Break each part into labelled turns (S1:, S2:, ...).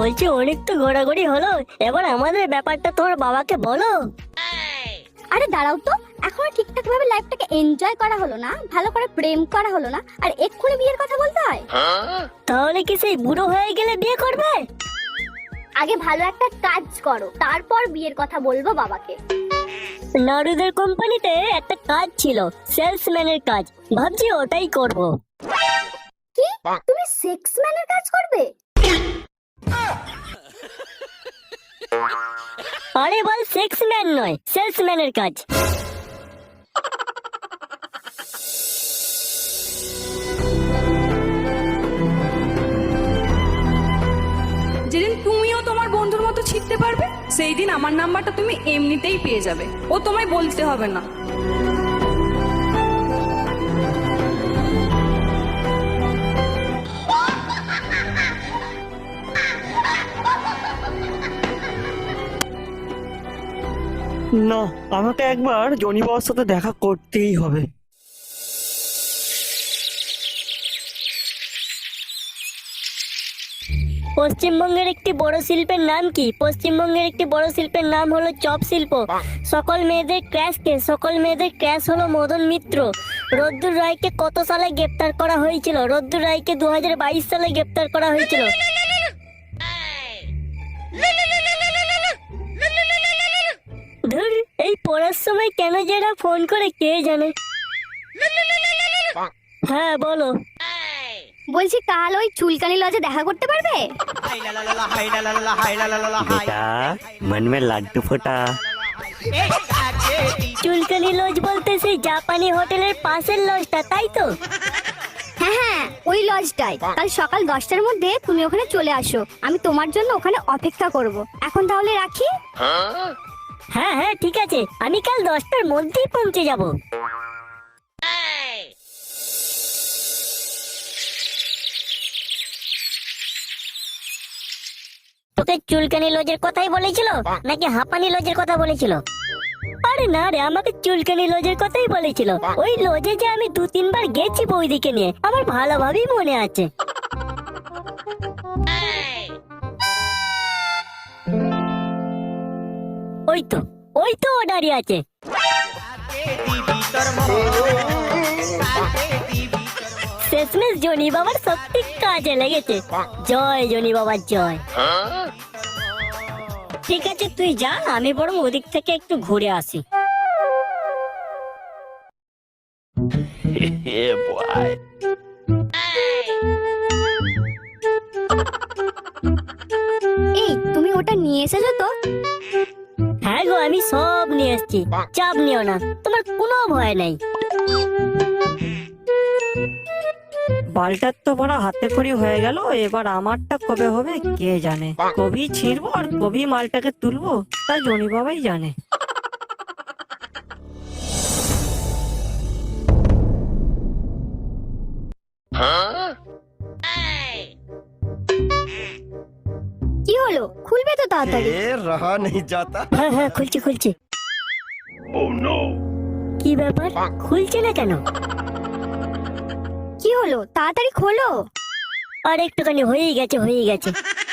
S1: বলছি অনেক তো ঘোরাঘুরি হলো, এবার আমাদের ব্যাপারটা তোমার বাবাকে বলো।
S2: আরে দাঁড়াও তো, এখনো ঠিকঠাক ভাবে লাইফটাকে এনজয় করা হলো না, ভালো করে প্রেম করা হলো না, আর এক্ষুনি বিয়ের কথা বলতে হয়?
S1: তাহলে কি সেই বুড়ো হয়ে গেলে বিয়ে করবে?
S2: আগে ভালো একটা কাজ করো, তারপর বিয়ের কথা বলবো বাবাকে।
S1: নারুদের কোম্পানিতে একটা কাজ ছিল, সেলসম্যানের কাজ, ভাবছি ওটাই করব।
S2: কি, তুমি সেক্সম্যানের কাজ করবে?
S1: আরে বল, সেক্সম্যান নয়, সেলসম্যানের কাজ।
S3: যেদিন তুমিও তোমার বন্ধুর মতো ছিটতে পারবে, সেই দিন আমার নাম্বারটা তুমি এমনিতেই পেয়ে যাবে, ও তোমায় বলতে হবে না।
S4: না, আমাকে একবার জনি বাবার সাথে দেখা করতেই হবে।
S1: পশ্চিমবঙ্গের একটি বড় শিল্পের নাম কি? পশ্চিমবঙ্গের একটি বড় শিল্পের নাম হলো চপ শিল্প। সকল মেয়েদের ক্র্যাশ কে? সকল মেয়েদের ক্র্যাশ হলো মদন মিত্র। রোদ্দুর রায়কে কত সালে গ্রেপ্তার করা হয়েছিল? রোদ্দুর রায়কে 2022 সালে গ্রেপ্তার করা হয়েছিল। ধুর, এই পড়ার সময় কেন যারা ফোন করে কে জানে। হ্যাঁ বলো।
S2: বলছি কাল ওই চুলকানি লজে দেখা করতে পারবে?
S4: बेटा मन में लड्डू फटा।
S1: চুলকানি লজ বলতে সেই জাপানি হোটেলের পাশের লজটা, তাই তো?
S2: হ্যাঁ হ্যাঁ, ওই লজটাই। কাল সকাল 10টার মধ্যে তুমি ওখানে চলে আসো, আমি তোমার জন্য ওখানে অপেক্ষা করব। এখন তাহলে রাখি।
S1: হ্যাঁ হ্যাঁ ঠিক আছে, আমি কাল 10টার মধ্যেই পৌঁছে যাব। তোকে চুলকানি লজের কথাই বলেছিল নাকি হাঁপানি লজের কথা বলেছিল? আরে না রে, আমাকে চুলকানি লজের কথাই বলেছিল। ওই লজে যে আমি 2-3 বার গেছি বৌদিকে নিয়ে, আমার ভালোভাবেই মনে আছে। ওই তো ও দাঁড়িয়ে আছে। শেষমেশ জনি বাবার সত্যি কাজে লেগেছে। জয় জনি বাবার জয়। ঠিক আছে তুই যা, আমি বরং ওদিক থেকে একটু ঘুরে আসি।
S2: এই তুমি ওটা নিয়ে এসেছো তো?
S1: হ্যাঁ গো, আমি সব নিয়ে এসেছি, চাপ নিও না, তোমার কোনো ভয় নাই।
S4: বালটার তো বড় হাতে খড়ি হয়ে গেল, এবার আমারটা কবে হবে কে জানে। কবি ছিঁড়বো আর কবি মালটাকে তুলবো, তা জনি বাবাই জানে।
S2: কি হলো, খুলবে তো তাড়াতাড়ি?
S5: रहा नहीं जाता।
S1: হ্যাঁ হ্যাঁ খুলছি। কি ব্যাপার, খুলছে না কেন?
S2: কি হলো, তাড়াতাড়ি খোলো।
S1: আর একটুখানি হয়েই গেছে।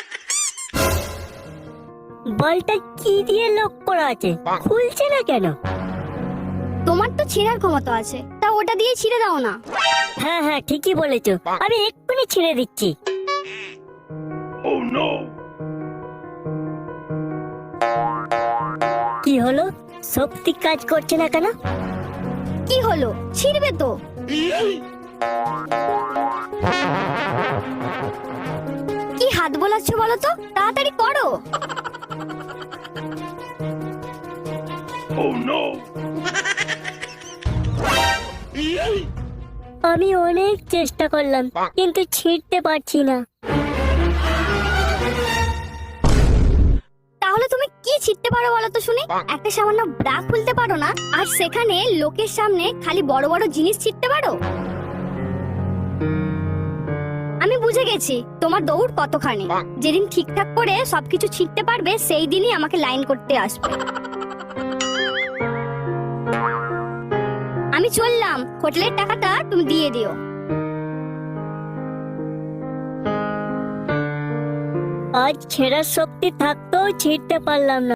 S1: বলটা কি দিয়ে লক করা আছে, খুলছে না কেন?
S2: তোমার তো ছেঁড়ার ক্ষমতা আছে, তা ওটা দিয়ে ছিঁড়ে দাও না।
S1: হ্যাঁ হ্যাঁ ঠিকই বলেছো, আমি এক্ষুনি ছিঁড়ে দিচ্ছি। কি হলো, শক্তি কাজ করছে না কেন?
S2: কি হলো, ছিঁড়বে তো? কি হাত বোলাচ্ছ বলো তো, তাড়াতাড়ি করো।
S1: আমি অনেক চেষ্টা করলাম কিন্তু ছিঁড়তে পারছি না।
S2: তাহলে তুমি কি ছিঁড়তে পারো বলো তো শুনি? একটা সামান্য ব্রা খুলতে পারো না, আর সেখানে লোকের সামনে খালি বড় বড় জিনিস ছিঁড়তে পারো? আমি বুঝে গেছি তোমার দৌড় কতখানি। যেদিন ঠিকঠাক করে সবকিছু ছিঁড়তে পারবে, সেই দিনই আমাকে লাইন করতে আসবে। আমি চললাম, হোটেলের টাকাটা তুমি দিয়ে দিও।
S1: আজ ছেঁড়ার শক্তি থাকতেও ছিঁড়তে পারলাম না।